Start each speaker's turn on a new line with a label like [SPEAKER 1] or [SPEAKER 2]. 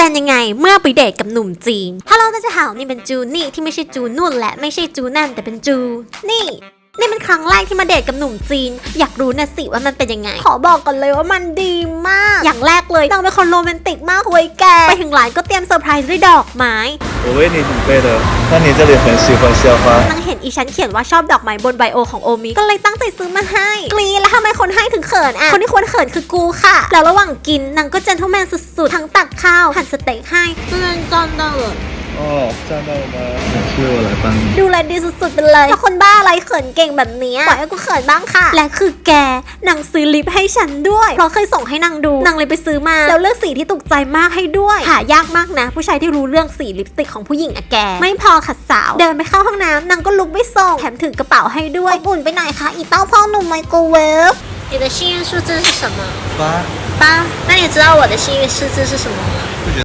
[SPEAKER 1] เป็นยังไงเมื่อไปเดทกับหนุ่มจีนฮัลโหล大家好นี่เป็นจูนี่ที่ไม่ใช่จูนุ่นและไม่ใช่จูนั่นแต่เป็นจูนี่เป็นครั้งแรกที่มาเดทกับหนุ่มจีนอยากรู้นะสิว่ามันเป็นยังไงขอบอกก่อนเลยว่ามันดีมากอย่างแรกเลยนางเป็นคนโรแมนติกมากเว้ยแกไปถึงร้านก็เตรียมเซอร์ไพรส์ด้วยดอกไม้
[SPEAKER 2] 我为你准备的那你这里很喜欢鲜花
[SPEAKER 1] นางเห็นอีฉันเขียนว่าชอบดอกไม้บนไบโอของโอมิก็เลยตั้งใจซื้อมาให้กรี๊ดแล้วทำไมคนให้ถึงเขินอ่ะคนที่ควรเขินคือกูค่ะแล้วระหว่างกินนางก็เจนท์แมนสุดๆทั้งตักข้าวหั่นสเต็กให้เพื่อนจำได้เลย
[SPEAKER 2] 哦，站到了吗？是我来帮你。
[SPEAKER 1] ดูแลดีสุดๆไปเลยแล้วคนบ้าอะไรเขินเก่งแบบนี้ปล่อยให้กูเขินบ้างค่ะและคือแกนางซื้อลิปให้ฉันด้วยเพราะเคยส่งให้นางดูนางเลยไปซื้อมาแล้วเลือกสีที่ถูกใจมากให้ด้วยหายากมากนะผู้ชายที่รู้เรื่องสีลิปสติกของผู้หญิงอะแกไม่พอขัดสาวเดินไปเข้าห้องน้ำนางก็ลุกไปส่งแถมถือกระเป๋าให้ด้วยอบอุ่นไปหน่อยค่ะอีเต้าพ่อหนุ่มไมโครเวฟ你的幸运数字是什么？
[SPEAKER 2] 八。
[SPEAKER 1] 8那你知道我的幸运数字是什么吗？